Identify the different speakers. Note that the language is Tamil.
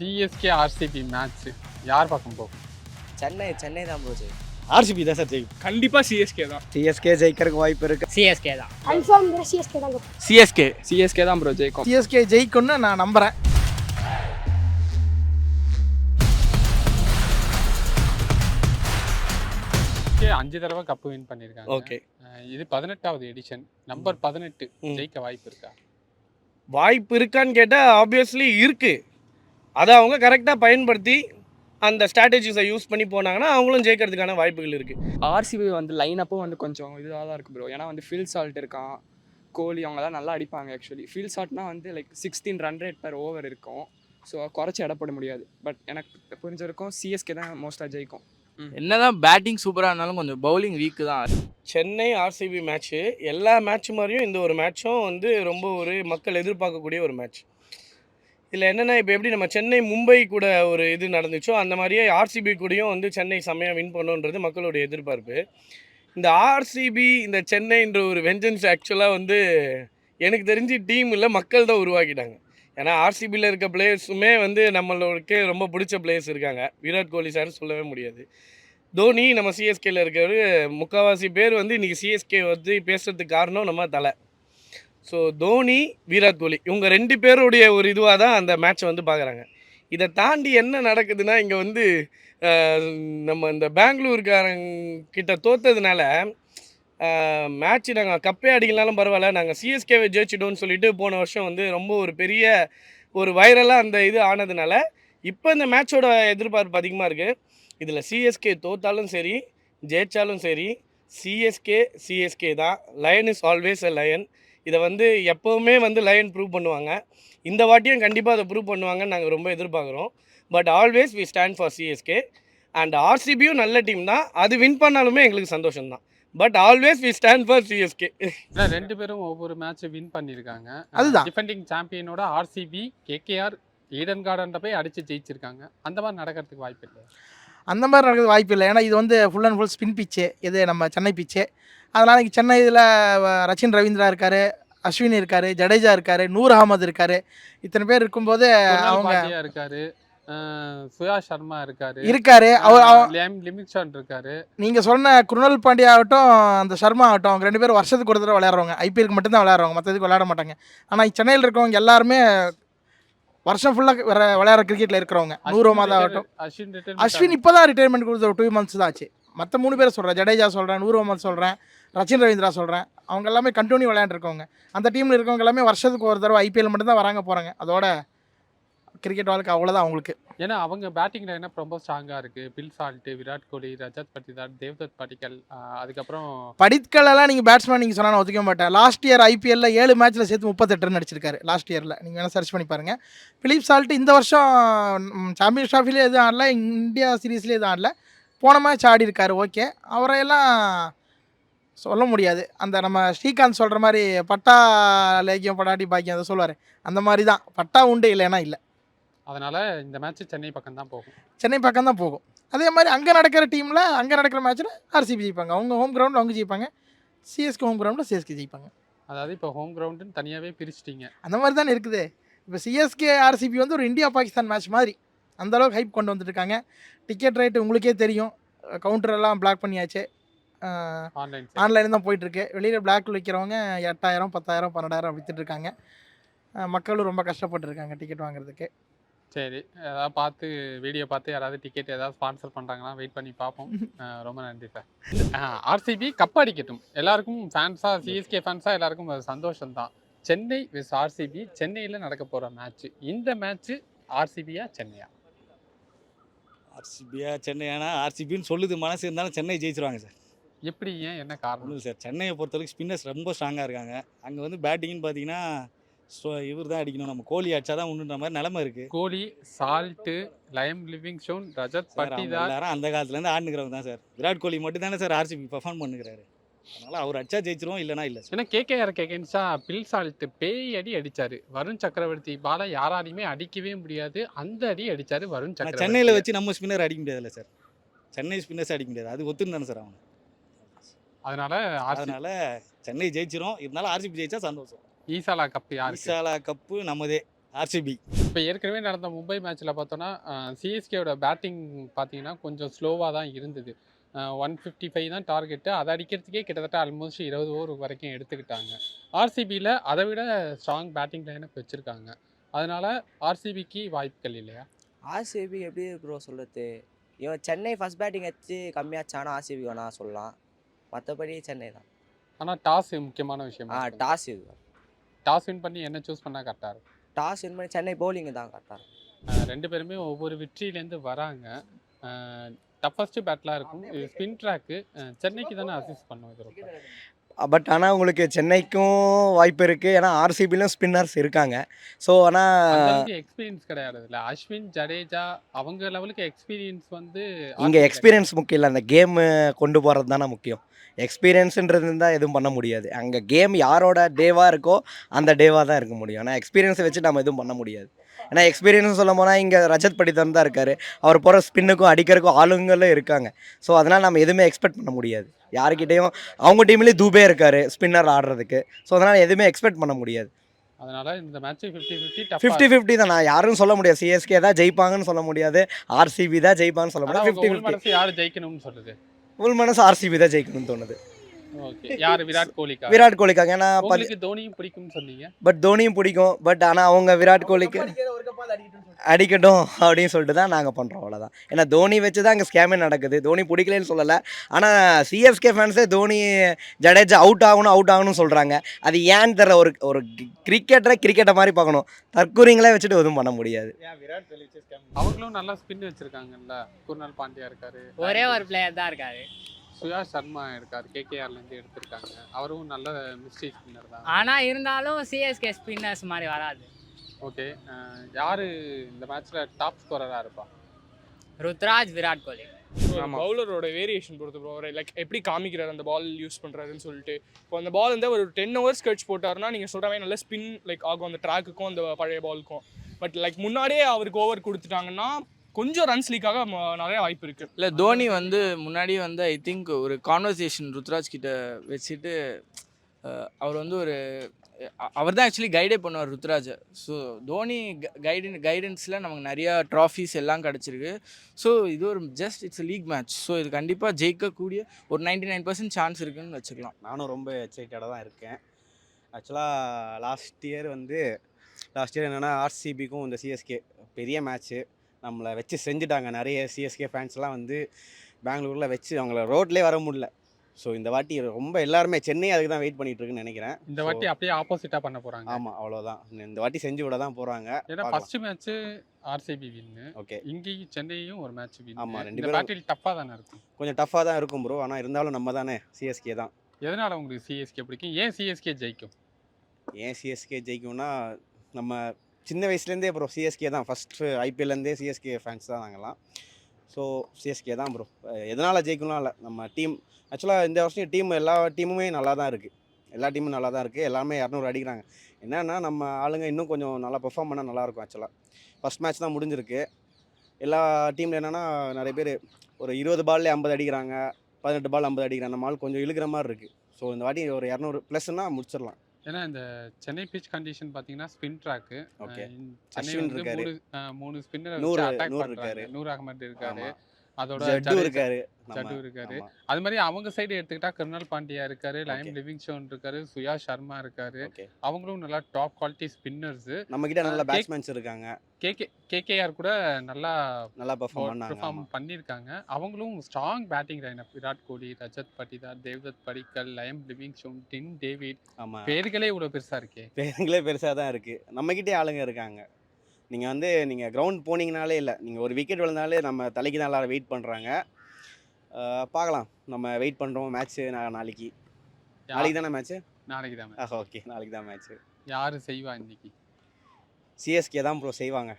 Speaker 1: சிஎஸ்கே ஆர்சிபி மேட்ச் யார் பக்கம் போகும்?
Speaker 2: சென்னை தான் ப்ரோ ஜெயிக்கும்.
Speaker 3: ஆர்சிபி தான் சார் ஜெயிக்கும்.
Speaker 4: கண்டிப்பாக சிஎஸ்கே தான்.
Speaker 3: சிஎஸ்கே ஜெயிக்கிறதுக்கு வாய்ப்பு இருக்கு.
Speaker 2: சிஎஸ்கே தான்.
Speaker 5: கன்ஃபார்ம் சிஎஸ்கே தான்.
Speaker 4: சிஎஸ்கே தான் ப்ரோ ஜெயிக்கும்.
Speaker 6: சிஎஸ்கே ஜெயிக்கும்னு நான் நம்புறேன்.
Speaker 1: அஞ்சு தடவை கப்பு வின் பண்ணியிருக்காங்க.
Speaker 3: ஓகே,
Speaker 1: இது 18வது எடிஷன். நம்பர் 18 ஜெயிக்க வாய்ப்பு இருக்கா?
Speaker 3: வாய்ப்பு இருக்கான்னு கேட்டால் ஆப்வியஸ்லி இருக்குது. அதை அவங்க கரெக்டாக பயன்படுத்தி அந்த ஸ்ட்ராட்டஜிஸை யூஸ் பண்ணி போனாங்கன்னா அவங்களும் ஜெயிக்கிறதுக்கான வாய்ப்புகள் இருக்குது.
Speaker 4: ஆர்சிபி வந்து லைனப்பும் வந்து கொஞ்சம் இதாக தான் இருக்குது ப்ரோ. ஏன்னா வந்து ஃபீல்ட் சால்ட் இருக்கான், கோலி அவங்கலாம் நல்லா அடிப்பாங்க. ஆக்சுவலி ஃபீல்ட் சால்ட்னா வந்து like 16 run rate per over இருக்கும். ஸோ குறைச்சி இடப்பட முடியாது. பட் எனக்கு புரிஞ்ச வரைக்கும் சிஎஸ்கே தான் மோஸ்ட்டாக ஜெயிக்கும்.
Speaker 7: என்னதான் பேட்டிங் சூப்பராக இருந்தாலும் கொஞ்சம் பவுலிங் வீக்கு தான்.
Speaker 3: சென்னை ஆர்சிபி மேட்ச்சு எல்லா மேட்ச் மாதிரியும் இந்த ஒரு மேட்சும் வந்து ரொம்ப ஒரு மக்கள் எதிர்பார்க்கக்கூடிய ஒரு மேட்ச். இதில் என்னென்னா, இப்போ எப்படி நம்ம சென்னை மும்பை கூட ஒரு இது நடந்துச்சோ அந்த மாதிரியே ஆர்சிபி கூடயும் வந்து சென்னை செம்மையாக வின் பண்ணுன்றது மக்களுடைய எதிர்பார்ப்பு. இந்த ஆர்சிபி இந்த சென்னைன்ற ஒரு வெஞ்சன்ஸ் ஆக்சுவலாக வந்து எனக்கு தெரிஞ்சு டீம் இல்லை, மக்கள் தான் உருவாக்கிட்டாங்க. ஏன்னா ஆர்சிபியில் இருக்க பிளேயர்ஸுமே வந்து நம்மளுக்கு ரொம்ப பிடிச்ச பிளேயர்ஸ் இருக்காங்க. விராட் கோலி சார் சொல்லவே முடியாது. தோனி நம்ம சிஎஸ்கேயில் இருக்கிறவர் முக்கால்வாசி பேர் வந்து இன்றைக்கி சிஎஸ்கே வந்து பேசுகிறதுக்கு காரணம் நம்ம தலை. ஸோ தோனி, விராட் கோலி இவங்க 2 பேருடைய ஒரு இதுவாக தான் அந்த மேட்ச்சை வந்து பார்க்குறாங்க. இதை தாண்டி என்ன நடக்குதுன்னா, இங்கே வந்து நம்ம இந்த பெங்களூர்காரங்கிட்ட தோற்றதுனால மேட்ச்சு நாங்கள் கப்பே அடிக்கலாலும் பரவாயில்ல, நாங்கள் சிஎஸ்கேவை ஜெயிச்சிட்டோன்னு சொல்லிட்டு போன வருஷம் வந்து ரொம்ப ஒரு பெரிய ஒரு வைரலாக அந்த இது ஆனதுனால இப்போ இந்த மேட்சோட எதிர்பார்ப்பு அதிகமாக இருக்குது. இதில் சிஎஸ்கே தோத்தாலும் சரி ஜெயிச்சாலும் சரி சிஎஸ்கே தான். Lion is always a lion. இதை வந்து எப்போவுமே வந்து லயன் ப்ரூவ் பண்ணுவாங்க. இந்த வாட்டியும் கண்டிப்பாக அதை ப்ரூவ் பண்ணுவாங்கன்னு நாங்கள் ரொம்ப எதிர்பார்க்குறோம். But always we stand for CSK. And ஆர்சிபியும் நல்ல டீம் தான், அது வின் பண்ணாலுமே எங்களுக்கு சந்தோஷம்தான். But always we stand for CSK.
Speaker 1: 2 பேரும் ஒவ்வொரு மேட்ச் வின் பண்ணியிருக்காங்க.
Speaker 6: அதுதான்
Speaker 1: டிஃபெண்டிங் சாம்பியனோட ஆர்சிபி கேகேஆர் ஈடன் கார்டன்ல போய் அடித்து ஜெயிச்சிருக்காங்க. அந்த மாதிரி நடக்கிறதுக்கு வாய்ப்பு இல்லை.
Speaker 6: அந்த மாதிரி நடக்கிறது வாய்ப்பு இல்லை. ஏன்னா இது வந்து ஃபுல் அண்ட் ஃபுல் ஸ்பின் பிச்சு, இது நம்ம சென்னை பிச்சு. அதனால் இங்கே சென்னை இதில் ரச்சின் ரவீந்திரா இருக்கார், அஸ்வின் இருக்கார், ஜடேஜா இருக்கார், நூர் அகமது இருக்கார். இத்தனை பேர் இருக்கும்போது அவங்க
Speaker 1: இருக்காரு, சுயா சர்மா இருக்காரு, லிமிக்ஷன் இருக்காரு.
Speaker 6: நீங்கள் சொன்ன குருணல் பாண்டியா ஆகட்டும், அந்த சர்மா ஆகட்டும், அவங்க 2 பேரும் வருஷத்துக்கு ஒரு தடவை விளையாடுறவங்க. ஐபிஎலுக்கு மட்டும்தான் விளையாடுறவங்க, மற்றதுக்கு விளையாட மாட்டாங்க. ஆனால் சென்னையில் இருக்கவங்க எல்லாருமே வருஷம் ஃபுல்லாக விளையாடுற கிரிக்கெட்டில் இருக்கிறவங்க. நூர் அகமது ஆகட்டும், அஸ்வின் இப்போ தான் ரிட்டைர்மெண்ட் கொடுத்த ஒரு 2 months தான் ஆச்சு. மற்ற 3 பேரை சொல்கிறேன், ஜடேஜா சொல்கிறேன், நூர் அகமது சொல்கிறேன், ரச்சின் ரவீந்திரா சொல்கிறேன். அவங்க எல்லாமே கண்டினியூ விளையாண்டுருக்கவங்க. அந்த டீமில் இருக்கவங்க எல்லாமே வருஷத்துக்கு ஒரு தடவை ஐபிஎல் மட்டும்தான் வராங்க போகிறாங்க. அதோட கிரிக்கெட் வாழ்க்கை அவ்வளோதான் அவங்களுக்கு.
Speaker 1: ஏன்னா அவங்க பேட்டிங் லைனப் ரொம்ப ஸ்ட்ராங்காக இருக்குது. பில் சால்ட்டு, விராட் கோலி, ரஜத் பட்டிதார், தேவ்தத் படிக்கல், அதுக்கப்புறம்
Speaker 6: படிக்கலெல்லாம் நீங்கள் பேட்ஸ்மேன் நீங்கள் சொன்னால் நான் ஒத்துக்க மாட்டேன். லாஸ்ட் இயர் ஐபிஎல்ல 7 மேட்ச்சில் சேர்த்து 38 ரன் அடிச்சிருக்காரு லாஸ்ட் இயரில். நீங்கள் வேணால் சர்ச் பண்ணி பாருங்கள். பிலிப் சால்ட்டு இந்த வருஷம் சாம்பியன் ட்ராஃபிலே எதுவும் ஆடல, இந்தியா சீரீஸ்லேயே எதுவும் ஆடல. போன மேட்ச் ஆடி இருக்காரு. ஓகே, அவரையெல்லாம் சொல்ல முடியாது. அந்த நம்ம ஸ்ரீகாந்த் சொல்கிற மாதிரி பட்டா லேக்கியம் படாட்டி பாக்கியம் அதை சொல்லுவார். அந்த மாதிரி தான், பட்டா உண்டு இல்லைன்னா இல்லை.
Speaker 1: அதனால் இந்த மேட்ச் சென்னை பக்கம் தான் போகும்.
Speaker 6: சென்னை பக்கம் தான் போகும். அதே மாதிரி அங்கே நடக்கிற டீமில் அங்கே நடக்கிற மேட்ச்சில் ஆர்சிபி ஜெயிப்பாங்க. அவங்க ஹோம் கிரவுண்டில் அவங்க ஜெயிப்பாங்க, சிஎஸ்கே ஹோம் கிரவுண்டில் சிஎஸ்கே ஜெயிப்பாங்க.
Speaker 1: அதாவது இப்போ ஹோம் கிரவுண்டுன்னு தனியாகவே பிரிச்சிட்டிங்க.
Speaker 6: அந்த மாதிரி தானே இருக்குது. இப்போ சிஎஸ்கே ஆர்சிபி வந்து ஒரு இந்தியா பாகிஸ்தான் மேட்ச் மாதிரி அந்தளவுக்கு ஹைப் கொண்டு வந்துட்டுருக்காங்க. டிக்கெட் ரேட்டு உங்களுக்கே தெரியும், கவுண்டரெல்லாம் பிளாக் பண்ணியாச்சு. ஆன்லைன் தான் போயிட்டுருக்கு. வெளியில் பிளாக்கில் விற்கிறவங்க 8000, 10,000, 12,000 விற்றுட்ருக்காங்க. மக்களும் ரொம்ப கஷ்டப்பட்டுருக்காங்க டிக்கெட் வாங்குறதுக்கு.
Speaker 1: சரி, ஏதாவது பார்த்து வீடியோ பார்த்து யாராவது டிக்கெட் ஏதாவது ஸ்பான்சர் பண்ணுறாங்கன்னா வெயிட் பண்ணி பார்ப்போம். ரொம்ப நன்றி சார். RCB cup அடிக்கட்டும். எல்லாருக்கும் ஃபேன்ஸாக, சிஎஸ்கே ஃபேன்ஸாக எல்லாருக்கும் அது சந்தோஷம்தான். சென்னை விஸ் ஆர்சிபி சென்னையில் நடக்க போகிற மேட்ச்சு. இந்த மேட்ச்சு ஆர்சிபியா சென்னையா?
Speaker 7: ஆர்சிபியா சென்னையானா ஆர்சிபின்னு சொல்லுது மனசு, இருந்தாலும் சென்னை ஜெயிச்சிருவாங்க சார்.
Speaker 1: எப்படி, ஏன், என்ன காரணம்?
Speaker 7: ஒன்றும் சார், சென்னையை பொறுத்தவரைக்கும் ஸ்பின்னர்ஸ் ரொம்ப ஸ்ட்ராங்காக இருக்காங்க. அங்கே வந்து பேட்டிங்னு பார்த்தீங்கன்னா இவர் தான் அடிக்கணும், நம்ம கோலி அடிச்சா தான் உண்டுன்ற மாதிரி நிலமை இருக்குது.
Speaker 1: Kohli, Salt, Liam Livingstone, Rajat Patidar
Speaker 7: எல்லாரும் அந்த காலத்துலேருந்து ஆடுனுக்கிறவங்க தான் சார். விராட் கோலி மட்டும் தானே சார் ஆர்சிபி பர்ஃபார்ம் பண்ணுறாரு. அதனால் அவர் அடிச்சா ஜெயிச்சிருவோம், இல்லைனா இல்லை சார்.
Speaker 1: ஏன்னா கேகேஆருக்கு எகென்ஸ்டாக பில் சால்ட்டு பேய் அடி அடித்தார். வருண் சக்கரவர்த்தி பாலை யாராலையுமே அடிக்கவே முடியாது, அந்த அடி அடித்தார் வருண் சக்கரவர்த்தி.
Speaker 7: சென்னையில் வச்சு நம்ம ஸ்பின்னர் அடிக்க முடியாதுல்ல சார், சென்னை ஸ்பின்னர்ஸ் அடிக்க முடியாது, அது ஒத்துன்னு சார் அவங்க.
Speaker 1: அதனால
Speaker 7: சென்னை ஜெயிச்சிரும், இருந்தாலும் ஆர்சிபி ஜெயிச்சா சந்தோஷம்.
Speaker 1: ஈசாலா கப்பு யார்?
Speaker 7: ஈசாலா கப்பு நம்மதே ஆர்சிபி.
Speaker 1: இப்போ ஏற்கனவே நடந்த மும்பை மேட்ச்சில் பார்த்தோன்னா சிஎஸ்கேவோட பேட்டிங் பார்த்தீங்கன்னா கொஞ்சம் ஸ்லோவாக தான் இருந்தது. 155 தான் டார்கெட்டு. அதை அடிக்கிறதுக்கே கிட்டத்தட்ட ஆல்மோஸ்ட் 20 ஓவர் வரைக்கும் எடுத்துக்கிட்டாங்க. ஆர்சிபியில் அதை விட ஸ்ட்ராங் பேட்டிங் லைனப் வச்சுருக்காங்க. அதனால ஆர்சிபிக்கு வாய்ப்புகள் இல்லையா?
Speaker 2: ஆர்சிபி எப்படி ப்ரோ சொல்கிறது, இவன் சென்னை ஃபர்ஸ்ட் பேட்டிங் வச்சு கம்மியாச்சானா ஆர்சிபி வேணா சொல்லலாம். மற்றபடி சென்னை தான்.
Speaker 1: ஆனால் டாஸ் முக்கியமான விஷயம்.
Speaker 2: டாஸ் இது
Speaker 1: டாஸ் வின் பண்ணி என்ன சூஸ் பண்ணால் கரெக்டாக இருக்கும்?
Speaker 2: டாஸ் வின் பண்ணி சென்னை பவுலிங் தான் கரெக்டாக இருக்கும்.
Speaker 1: ரெண்டு பேருமே ஒவ்வொரு வெற்றியிலேருந்து வராங்க. டஃபஸ்ட்டு பேட்லாக இருக்கும். இது ஸ்பின் ட்ராக்கு. சென்னைக்கு தானே அசிஸ்ட் பண்ணும் இது ரொம்ப.
Speaker 5: பட் ஆனால் உங்களுக்கு சென்னைக்கும் வாய்ப்பு இருக்குது, ஏன்னா ஆர்சிபிலையும் ஸ்பின்னர்ஸ் இருக்காங்க. ஸோ ஆனால்
Speaker 1: எக்ஸ்பீரியன்ஸ் கிடையாது இல்லை. அஸ்வின், ஜடேஜா அவங்க லெவலுக்கு எக்ஸ்பீரியன்ஸ் வந்து
Speaker 5: இங்கே எக்ஸ்பீரியன்ஸ் முக்கியம் இல்லை, அந்த கேமு கொண்டு போகிறது தானே முக்கியம். எக்ஸ்பீரியன்ஸுன்றது இருந்தால் எதுவும் பண்ண முடியாது. அங்கே கேம் யாரோட டேவாக இருக்கோ அந்த டேவாக தான் இருக்க முடியும். ஆனால் எக்ஸ்பீரியன்ஸை வச்சு நம்ம எதுவும் பண்ண முடியாது. ஏன்னா எக்ஸ்பீரியன்ஸ் சொல்ல போனால் இங்கே ரஜத் படித்தன் தான் இருக்கார். அவர் போகிற ஸ்பின்னுக்கும் அடிக்கிறதுக்கும் ஆளுங்களும் இருக்காங்க. ஸோ அதனால் நம்ம எதுவுமே எக்ஸ்பெக்ட் பண்ண முடியாது. யாருக்கிட்டேயும் அவங்க டீம்லேயும் தூபே இருக்கார் ஸ்பின்னர் ஆடுறதுக்கு. ஸோ அதனால் எதுவுமே எக்ஸ்பெக்ட் பண்ண முடியாது.
Speaker 1: அதனால இந்த மேட்ச்
Speaker 5: 50-50 தான். நான் யாரும் சொல்ல முடியாது சிஎஸ்கே தான் ஜெயிப்பாங்கன்னு சொல்ல முடியாது, ஆர்சிபி தான் ஜெயிப்பாங்கன்னு சொல்ல முடியாது. 50-50.
Speaker 1: யார் ஜெயிக்கணும்னு சொல்லுது?
Speaker 5: உள் மனசு ஆர்சிபி தான் ஜெயிக்கணும்னு தோணுது.
Speaker 1: ஓகே. யார்? விராட் கோலிக்கா?
Speaker 5: விராட் கோலிக்காக. ஏன்னா
Speaker 1: உங்களுக்கு தோனியும் பிடிக்கும்னு சொன்னீங்க.
Speaker 5: பட் தோனியும் பிடிக்கும். பட் ஆனால் அவங்க விராட் கோலிக்கு அடிக்கட்டும் அப்படின்னு சொல்லிட்டு தான் நாங்கள் பண்ணுறோம், அவ்வளோதான். ஏன்னா தோனி வச்சு தான் அங்கே ஸ்கேமே நடக்குது. தோனி பிடிக்கலன்னு சொல்லலை. ஆனால் சிஎஸ்கே ஃபேன்ஸே தோனி ஜடேஜா அவுட் ஆகணும்னு சொல்கிறாங்க. அது ஏன்னு தெரியல. ஒரு கிரிக்கெட்டை மாதிரி பார்க்கணும். தற்கூரிங்களே வச்சுட்டு எதுவும் பண்ண முடியாது.
Speaker 1: அவங்களும் நல்லா ஸ்பின் வச்சிருக்காங்கல்ல. குர்னால் பாண்டியா இருக்காரு,
Speaker 8: ஒரே ஒரு பிளேயர் தான் இருக்காரு.
Speaker 1: சுயாஷ் சர்மா இருக்காரு, கேகேஆர்லேருந்து எடுத்திருக்காங்க. அவரும் நல்ல மிஸ்ட்ரி ஸ்பின்னர் தான்.
Speaker 8: ஆனால் இருந்தாலும் சிஎஸ்கே ஸ்பின்னர்ஸ் மாதிரி வராது.
Speaker 1: ஓகே. யார் இந்த மேட்ச்சில் டாப் ஸ்கோரராக இருப்பா?
Speaker 8: ருத்ராஜ், விராட் கோலி.
Speaker 4: பவுலரோட வேரியேஷன் பொறுத்து ப்ரோ. லைக் எப்படி காமிக்கிறார் அந்த பால் யூஸ் பண்ணுறாருன்னு சொல்லிட்டு. இப்போ அந்த பால் வந்து ஒரு 10 ஹவர்ஸ் கழிச்சு போட்டாருன்னா நீங்கள் சொல்கிற மாதிரி நல்லா ஸ்பின் லைக் ஆகும் அந்த ட்ராக்குக்கும் அந்த பழைய பாலுக்கும். பட் லைக் முன்னாடியே அவருக்கு ஓவர் கொடுத்துட்டாங்கன்னா கொஞ்சம் ரன்ஸ் லீக்காக நிறைய வாய்ப்பு இருக்குது.
Speaker 9: இல்லை தோனி வந்து முன்னாடியே வந்து ஐ திங்க் ஒரு கான்வர்சேஷன் ருத்ராஜ் கிட்ட வச்சுட்டு அவர் வந்து அவர் தான் ஆக்சுவலி கைடே பண்ணுவார் ருத்ராஜை. ஸோ தோனி கைடன்ஸில் நமக்கு நிறையா ட்ராஃபீஸ் எல்லாம் கிடச்சிருக்கு. ஸோ இது ஒரு இட்ஸ் லீக் மேட்ச். ஸோ இது கண்டிப்பாக ஜெயிக்கக்கூடிய ஒரு 99% சான்ஸ் இருக்குன்னு வச்சுக்கலாம்.
Speaker 7: நானும் ரொம்ப எக்ஸைட்டடாக தான் இருக்கேன். ஆக்சுவலாக லாஸ்ட் இயர் என்னென்னா ஆர்சிபிக்கும் இந்த சிஎஸ்கே பெரிய மேட்ச்சு நம்மளை வச்சு செஞ்சுட்டாங்க. நிறைய சிஎஸ்கே ஃபேன்ஸ்லாம் வந்து பெங்களூரில் வச்சு அவங்கள ரோட்லேயே வர முடியல. ஸோ இந்த வாட்டி ரொம்ப எல்லாருமே சென்னை அதுக்கு தான் வெயிட் பண்ணிட்டு இருக்குன்னு நினைக்கிறேன்.
Speaker 1: இந்த வாட்டி அப்படியே ஆப்போசிட்டாக பண்ண போகிறாங்க.
Speaker 7: ஆமாம், அவ்வளோதான். இந்த வாட்டி செஞ்சு விட தான் போகிறாங்க.
Speaker 1: ஏன்னா first match RCB win.
Speaker 7: Okay.
Speaker 1: இங்கேயும் சென்னையும் ஒரு மேட்ச் வின்.
Speaker 7: ஆமாம், ரெண்டு
Speaker 1: பேரும் பேட்டில் டஃப்பாக தானே இருக்கும்.
Speaker 7: கொஞ்சம் டஃப்பாக தான் இருக்கும் ப்ரோ. ஆனால் இருந்தாலும் நம்ம தானே சிஎஸ்கே தான்.
Speaker 1: எதனால் உங்களுக்கு சிஎஸ்கே பிடிக்கும்? ஏன் சிஎஸ்கே ஜெயிக்கும்?
Speaker 7: ஏன் சிஎஸ்கே ஜெயிக்கும்னா நம்ம சின்ன வயசுலேருந்தே ப்ரோ சிஎஸ்கே தான். ஃபஸ்ட்டு ஐபிஎல்லேருந்தே சிஎஸ்கே ஃபேன்ஸ் தான் நாங்கள்லாம். ஸோ சிஎஸ்கே தான் ப்ரோ. எதனால் ஜெயிக்கணும் இல்லை, நம்ம டீம் ஆக்சுவலாக இந்த வருஷம் எல்லா டீமுமே நல்லா தான் இருக்குது. எல்லா டீமும் நல்லா தான் இருக்குது. எல்லாமே 200 அடிக்கிறாங்க. என்னென்னா நம்ம ஆளுங்க இன்னும் கொஞ்சம் நல்லா பெர்ஃபார்ம் பண்ணால் நல்லாயிருக்கும். ஆக்சுவலாக ஃபஸ்ட் மேட்ச் தான் முடிஞ்சிருக்கு. எல்லா டீமில் என்னென்னா நிறைய பேர் ஒரு 20 பால்லே 50 அடிக்கிறாங்க, 18 பால் 50 அடிக்கிறாங்க. நம்ம ஆள் கொஞ்சம் இழுக்கிற மாதிரி இருக்குது. ஸோ இந்த வாட்டி ஒரு 200 ப்ளஸ்னால் முடிச்சிடலாம்.
Speaker 1: ஏன்னா இந்த சென்னை பிச் கண்டிஷன் பார்த்தீங்கன்னா spin track.
Speaker 7: Okay.
Speaker 1: Chennai
Speaker 7: Ashwin
Speaker 1: வந்து
Speaker 7: இருக்காரு,
Speaker 1: 3 ஸ்பின்னர்
Speaker 7: 100
Speaker 1: அட்டாக்
Speaker 7: இருக்காரு,
Speaker 1: பண்ணுறாரு. 100 அகமட் இருக்காரு, அதோட
Speaker 7: ஜட்டு இருக்காரு,
Speaker 1: ஜட்டு இருக்காரு.
Speaker 7: ஆமா.
Speaker 1: அது மாதிரி அவங்க சைடு எடுத்துக்கிட்டா குர்னால் பாண்டியா இருக்காரு, லயம் லிவிங்ஸ்டோன் இருக்காரு, சுயாஷ் சர்மா இருக்காரு.
Speaker 7: ஓகே.
Speaker 1: அவங்களும் நல்லா டாப் குவாலிட்டி ஸ்பின்னர்ஸ்.
Speaker 7: நம்மக்கிட்ட நல்ல பேட்ஸ்மேன்ஸ் இருக்காங்க.
Speaker 1: கேகேஆர் கூட நல்லா
Speaker 7: பெர்ஃபார்ம்
Speaker 1: பெர்ஃபார்ம் பண்ணியிருக்காங்க. அவங்களும் strong batting lineup. Virat Kohli, Rajat Patidar, Devdutt Padikkal, Liam Livingstone, டின் டேவிட்.
Speaker 7: ஆமாம்,
Speaker 1: பேர்களே இவ்வளோ பெருசாக இருக்கே.
Speaker 7: பேருங்களே பெருசாக தான் இருக்குது. நம்மக்கிட்டே ஆளுங்க இருக்காங்க. நீங்கள் கிரவுண்ட் போனீங்கனாலே இல்லை, நீங்கள் ஒரு விக்கெட் விழுந்தாலே நம்ம தலைக்கு தான் எல்லாரும் வெயிட் பண்ணுறாங்க. பார்க்கலாம், நம்ம வெயிட் பண்ணுறோம். மேட்ச்சு நாளைக்கு தானே மேட்ச்சு?
Speaker 1: நாளைக்கு தான்.
Speaker 7: ஓகே, நாளைக்கு தான் மேட்ச்சு.
Speaker 1: யார் செய்வா இன்னைக்கு?
Speaker 7: சிஎஸ்கே தான் ப்ரோ செய்வாங்க.